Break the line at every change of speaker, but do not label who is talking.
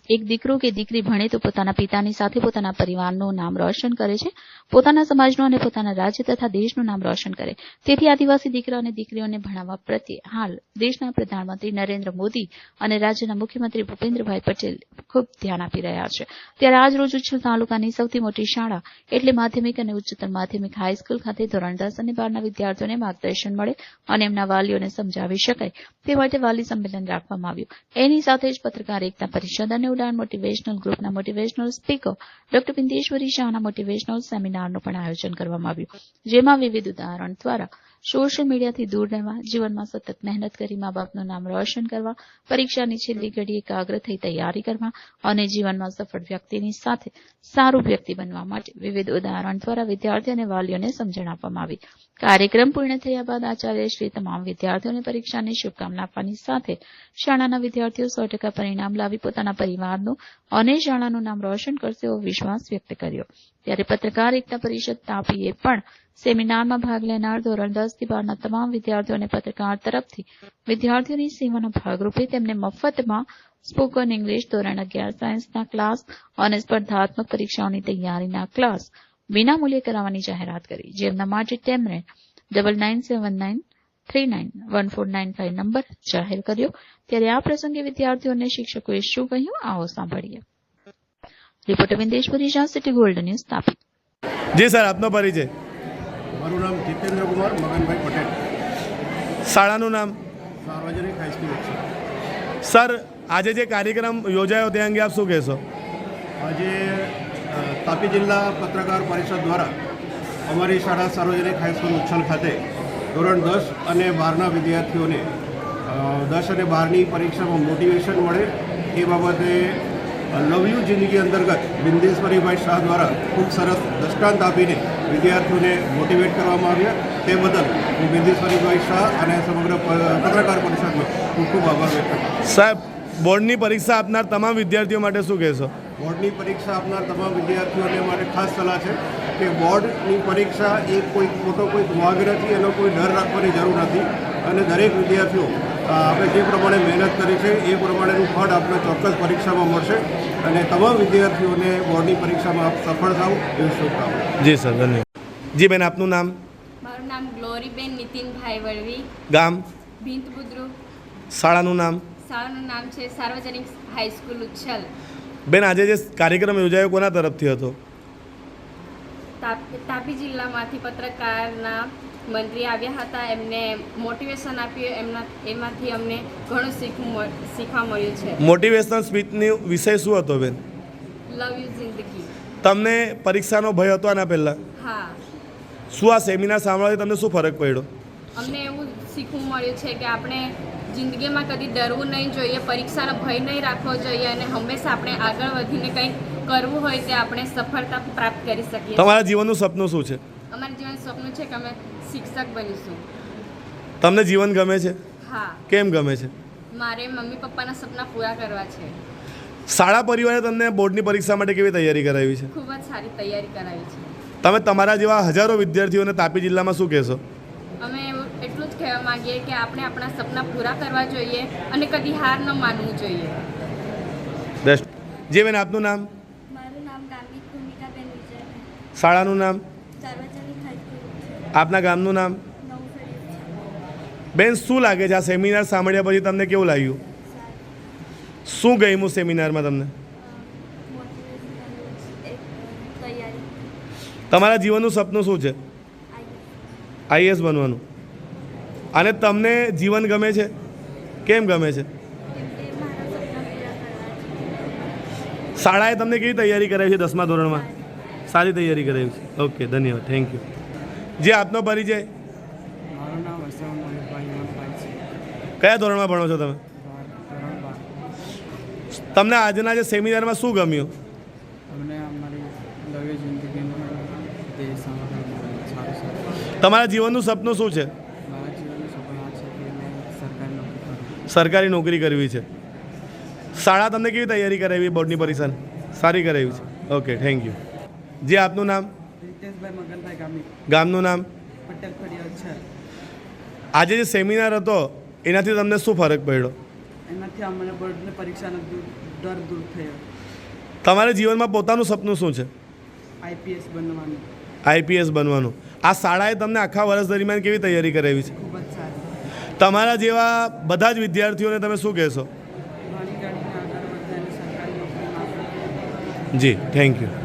એક દીકરો કે દીકરી ભણે તો પોતાના પિતાની સાથે પોતાના પરિવારનું નામ રોશન કરે છે, પોતાના સમાજનું અને પોતાના રાજ્ય તથા દેશનું નામ રોશન કરે. તેથી આદિવાસી દીકરા અને દીકરીઓને ભણાવવા પ્રત્યે હાલ દેશના પ્રધાનમંત્રી નરેન્દ્ર મોદી અને રાજ્યના મુખ્યમંત્રી ભૂપેન્દ્રભાઈ પટેલ ખૂબ ધ્યાન આપી રહ્યા છે. ત્યારે આજ રોજ ઉચ્છલ તાલુકાની સૌથી મોટી શાળા એટલે માધ્યમિક અને ઉચ્ચતર માધ્યમિક હાઈસ્કૂલ ખાતે ધોરણ 10 અને 12ના વિદ્યાર્થીઓને માર્ગદર્શન મળે અને એમના વાલીઓને સમજાવી શકાય તે માટે વાલી સંમેલન રાખવામાં આવ્યું. એની સાથે જ પત્રકાર એકતા પરિષદ અને ઉડાન મોટિવેશનલ ગ્રુપના મોટિવેશનલ સ્પીકર ડોક્ટર બિંદેશ્વરી શાહના મોટિવેશનલ સેમિનારનું પણ આયોજન કરવામાં આવ્યું, જેમાં વિવિધ ઉદાહરણ દ્વારા સોશિયલ મીડિયાથી દૂર રહેવા, જીવનમાં સતત મહેનત કરી મા બાપનું નામ રોશન કરવા, પરીક્ષાની છેલ્લી ઘડી એકાગ્ર થઈ તૈયારી કરવા અને જીવનમાં સફળ વ્યક્તિની સાથે સારું વ્યક્તિ બનવા માટે વિવિધ ઉદાહરણ દ્વારા વિદ્યાર્થીઓ અને વાલીઓને સમજણ આપવામાં આવી. કાર્યક્રમ પૂર્ણ થયા બાદ આચાર્યશ્રી તમામ વિદ્યાર્થીઓને પરીક્ષાની શુભકામના આપવાની સાથે શાળાના વિદ્યાર્થીઓ 100% પરિણામ લાવી પોતાના પરિવારનું અને શાળાનું નામ રોશન કરશે એવો વિશ્વાસ વ્યક્ત કર્યો. ત્યારે પત્રકાર એકતા પરિષદ તાપીએ પણ સેમિનારમાં ભાગ લેનાર ધોરણ 10 થી 12ના તમામ વિદ્યાર્થીઓને પત્રકાર તરફથી વિદ્યાર્થીઓની સેવાના ભાગરૂપે તેમને મફતમાં સ્પોકન ઇંગ્લિશ, ધોરણ 11 સાયન્સના ક્લાસ અને સ્પર્ધાત્મક પરીક્ષાઓની તૈયારીના ક્લાસ વિનામૂલ્યે કરાવવાની જાહેરાત કરી, જેમના માટે તેમણે 9979391495 નંબર જાહેર કર્યો. ત્યારે આ પ્રસંગે વિદ્યાર્થીઓને શિક્ષકોએ શું કહ્યું, આવો સાંભળીએ. Reporter Bindeshwari Shah, city gold news, Tapi.
જી સર, આપનો પરિચય.
મારું નામ જીતેન્દ્ર કુમાર મગનભાઈ પટેલ.
શાળાનું નામ?
સાર્વજનિક હાઈસ્કૂલ છે.
સર, આજે જે કાર્યક્રમ યોજાયો તે અંગે આપ શું કહેશો?
આજે તાપી જિલ્લા પત્રકાર પરિષદ દ્વારા અમારી શાળા સાર્વજનિક હાઈસ્કૂલ ઉચ્છલ ખાતે ધોરણ 10 અને 12ના વિદ્યાર્થીઓને 10 અને 12ની પરીક્ષામાં મોટિવેશન મળે એ બાબતે લવ યુ જિંદગી અંતર્ગત બિંદેશ્વરીભાઈ શાહ દ્વારા ખૂબ સરસ દ્રષ્ટાંત આપીને વિદ્યાર્થીઓને મોટિવેટ કરવામાં આવ્યા. તે બદલ હું બિંદેશ્વરીભાઈ શાહ અને સમગ્ર પત્રકાર પરિષદનો ખૂબ ખૂબ આભાર વ્યક્ત કરું.
સાહેબ, બોર્ડની પરીક્ષા આપનાર તમામ વિદ્યાર્થીઓ માટે શું કહેશો?
બોર્ડની પરીક્ષા આપનાર તમામ વિદ્યાર્થીઓને મારે ખાસ સલાહ છે કે બોર્ડની પરીક્ષા એ કોઈ મોટો કોઈ વાઘ નથી, એનો કોઈ ડર રાખવાની જરૂર નથી અને દરેક વિદ્યાર્થીઓ આપણે જે પ્રમાણે મહેનત કરી છે એ પ્રમાણેનું ફળ આપણે ચોક્કસ પરીક્ષામાં મળશે અને તમામ વિદ્યાર્થીઓને બોર્ડની પરીક્ષામાં આપ સફળ થાવ એવી શુભકામના.
જી સર, ધન્યવાદ. જી બેન, આપનું નામ?
મારું નામ ગ્લોરીબેન નીતિનભાઈ વળવી,
ગામ?
ભીંત બુદ્રુ.
શાળાનું નામ?
શાળાનું નામ છે સાર્વજનિક હાઈસ્કૂલ ઉચ્છલ.
બેન, આજે જે કાર્યક્રમ યોજાયો કોના તરફથી હતો?
તાપી જિલ્લામાંથી પત્રકારના મંત્રી આવ્યા હતા, એમને મોટિવેશન આપ્યું, એમાંથી અમને ઘણું શીખવા મળ્યું છે.
મોટિવેશનલ સ્પીચની વિષય શું હતો બેન?
લવ યુ જિંદગી.
તમને પરીક્ષાનો ભય હતો આના પહેલાં?
હા.
શું આ સેમિનાર સાંભળવાથી તમને શું ફરક પડ્યો?
અમને એવું શીખવું મળ્યું છે કે આપણે જિંદગીમાં કદી ડરવું નહીં જોઈએ, પરીક્ષાનો ભય નહીં રાખવો જોઈએ અને હંમેશા આપણે આગળ વધીને કંઈક કરવું હોય તે આપણે સફળતા પ્રાપ્ત કરી શકીએ.
તમારા જીવનનું સપનું શું છે?
અમારું જીવન સપનું છે કે અમે શિક્ષક બનીશું.
તમને જીવન ગમે છે?
હા.
કેમ ગમે છે?
મારે મમ્મી પપ્પાના સપના પૂરા કરવા છે.
શાળા પરિવારે તમને બોર્ડની પરીક્ષા માટે કેવી તૈયારી કરાવી છે?
ખૂબ જ સારી તૈયારી કરાવી છે.
તમે તમારા જેવા હજારો વિદ્યાર્થીઓને તાપી જિલ્લામાં શું કહેશો?
અમે એટલું જ કહેવા માંગીએ કે આપણે આપણા સપના પૂરા કરવા જોઈએ અને કદી હાર ન માનવું જોઈએ.
બેસ્ટ. જી બેન, આપનું નામ?
મારું નામ ગામિત ભૂમિકાબેન વિજયભાઈ.
શાળાનું નામ?
સાર્વજનિક હાઈસ્કૂલ.
આપના ગામનું નામ?
નવસરી.
બેન, શું લાગે છે આ સેમિનાર સાંભળ્યા પછી તમને કેવું લાગ્યું? શું ગમ્યું સેમિનારમાં તમને?
તૈયારી.
તમારા જીવનનું સપનું શું છે? આઈએએસ બનવાનું. અને તમને જીવન ગમે છે? કેમ ગમે છે?
કેમ કે મારા સપના પૂરા કરવા છે.
શાળાએ તમને કેવી તૈયારી કરાવી છે 10મા ધોરણમાં? સારી તૈયારી કરાવી છે. ઓકે, ધન્યવાદ, થેન્ક યુ. જે આપનો પરિચય?
મારું નામ હર્ષદ મયુરભાઈ હિમંતભાઈ છે.
કયા ધોરણમાં ભણો છો તમે?
ધોરણ 12.
તમને આજના જે સેમિનારમાં શું ગમ્યું?
અમને અમારી લવ્ય જિંદગીનું તે સાંભળવાનું સારું છે.
તમારા જીવનનું સપનું શું છે?
મારા જીવનનું સપનું આ છે કે મેં સરકારી નોકરી કરું.
સરકારી નોકરી કરવી છે. શાળા તમને કેવી તૈયારી કરાવી બોર્ડની પરીક્ષાની? સારી કરાવી છે. Okay, thank you. જે આપનું નામ?
રીતેશભાઈ મગનભાઈ ગામિત.
ગામનું નામ?
પટેલ ફળિયા છે.
આજે જે સેમિનાર હતો એનાથી તમને શું ફરક પડ્યો?
એનાથી અમને બોર્ડની પરીક્ષાનો ડર દૂર થયો.
તમારા જીવનમાં પોતાનું સપનું શું છે?
આઈપીએસ બનવાનું.
આઈપીએસ બનવાનું. આ શાળાએ તમને આખા વર્ષ દરમિયાન કેવી તૈયારી કરાવી છે?
ખૂબ જ સારું.
તમારા જેવા બધા જ વિદ્યાર્થીઓને તમે શું કહેશો?
ભણી ગણીને આગળ વધે અને સરકારી નોકરી માટે.
જી, થેન્ક યુ.